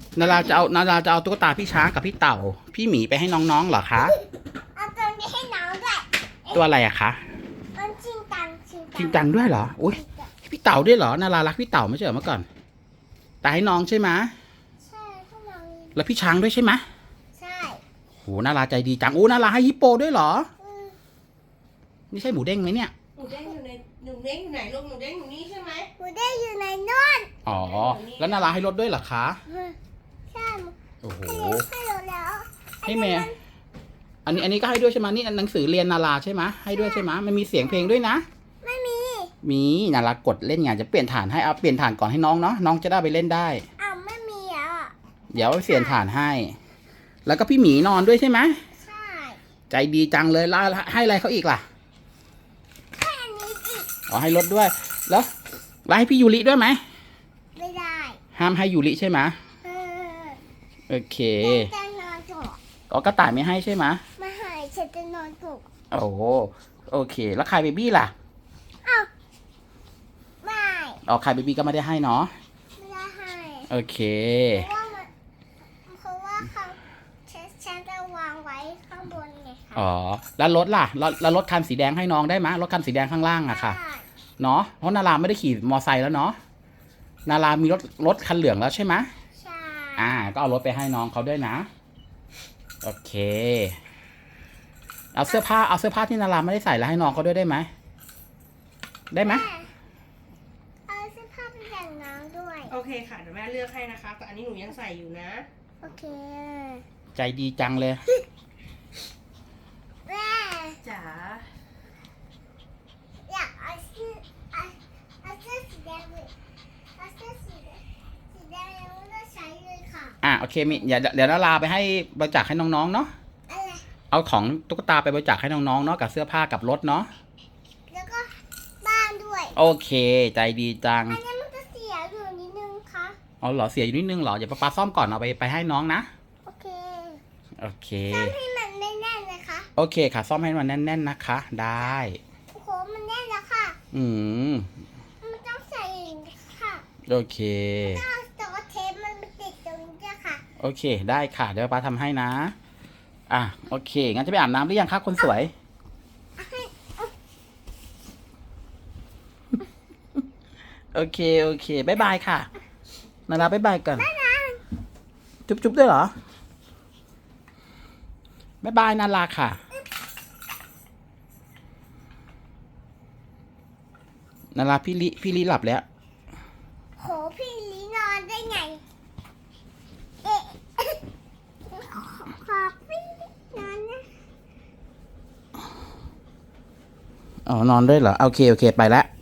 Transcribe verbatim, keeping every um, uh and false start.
นาราจะเอานาราจะเอาตุ๊กตาพี่ช้างกับพี่เต่าพี่หมีไปให้น้องๆเหรอคะเอาตัวนี้ให้น้องด้วยตัวอะไรอะคะมันชิงตังชิงตังจริงจังด้วยเหรออุ้ยพี่เต่าด้วยเหรอนารารักพี่เต่าไม่ใช่เหรอเมื่อก่อนแต่ให้น้องใช่ไหมใช่ให้น้องแล้วพี่ช้างด้วยใช่ไหมใช่โหนาราใจดีจังโอ้นาราให้ฮิปโปด้วยเหรอนี่ใช่หมูเด้งไหมเนี่ยหนูเด้งอยู่ในหนูเด้งอยู่ไหนลูกหนูเด้งอยู่นี่ใช่ไหมหนูได้อยู่ในนู่นอ๋อแล้วนาราให้รถด้วยเหรอคะใช่โอ้โหให้เราแล้วให้แม่อันนี้อันนี้ก็ให้ด้วยใช่ไหมนี่หนังสือเรียนนาราใช่ไหมให้ด้วยใช่ไหมมันมีเสียงเพลงด้วยนะไม่มีมีนารากดเล่นงานจะเปลี่ยนฐานให้เอาเปลี่ยนฐานก่อนให้น้องเนาะน้องจะได้ไปเล่นได้อ้าวไม่มีอ่ะเดี๋ยวเปลี่ยนฐานให้ แล้วก็พี่หมีนอนด้วยใช่ไหมใช่ใจดีจังเลยแล้วให้อะไรเขาอีกล่ะให้อันนี้อีกอ๋อให้รถด้วยแล้วแล้วให้พี่ยูริด้วยไหมไม่ได้ห้ามให้ยูริใช่ไหมเออโอเคจะนอนถูกอ๋อกระต่ายไม่ให้ใช่ไหมไม่ให้ฉันจะนอนถูกโอ้โอเคแล้วใครเบบี้ล่ะอ้าวไม่อ๋อใครเบบี้ก็ไม่ได้ให้เนาะไม่ได้ให้โอเคเพราะว่ามันเพราะว่าเขาฉันจะวางไว้ข้างบนไงคะอ๋อแล้วรถล่ะแล้วรถคันสีแดงให้น้องได้ไหมรถคันสีแดงข้างล่างอะค่ะเนาะเพราะนาราไม่ได้ขี่มอไซค์แล้วเนาะนารามีรถรถคันเหลืองแล้วใช่ไหมใช่อ่าก็เอารถไปให้น้องเขาด้วยนะโอเคเอาเสื้อผ้าเอาเสื้อผ้าที่นาราไม่ได้ใส่แล้วให้น้องเขาด้วยได้ไหมได้ไหมเอาเสื้อผ้าไปแบ่งน้องด้วยโอเคค่ะเดี๋ยวแม่เลือกให้นะคะแต่อันนี้หนูยังใส่อยู่นะโอเคใจดีจังเลยแม่จ๋าอยากเอาเสื้อเอาเอาเสื้อสีแดงเลยเอาเสื้อสีแดงสีแดงยังไม่ได้ใช้เลยค่ะอ่าโอเคมิเดี๋ยวเดี๋ยวนาราไปให้บริจาคให้น้องๆเนาะอะไรเอาของตุ๊กตาไปบริจาคให้น้องๆเนาะกับเสื้อผ้ากับรถเนาะแล้วก็บ้านด้วยโอเคใจดีจังอันนี้มันจะเสียอยู่นิดนึงค่ะอ๋อเหรอเสียอยู่นิดนึงเหรอเดี๋ยวป้าซ่อมก่อนเอาไปไปให้น้องนะโอเคโอเคซ่อมให้มันแน่นๆเลยค่ะโอเคค่ะซ่อมให้มันแน่นๆนะคะได้โอ้โหมันแน่นแล้วค่ะอืมมันต้องใส่ค่ะโอเคแต่ว่าเทปมันติดตรงนี้ค่ะโอเคได้ค่ะเดี๋ยวป้าทำให้นะอ่ะโอเคงั้นจะไปอาบน้ำหรือยังคะคนสวยโอเคโอเคบายบายค่ะนาราบายบายก่อนจุ๊บจุ๊บด้วยเหรอบายบายนาราค่ะนาราพี่ลิพี่ลิหลับแล้วโหพี่ลินอนได้ไงเอ๊ะขอพี่นอนนะอ๋อนอนด้วยเหรอโอเคโอเคไปแล้ว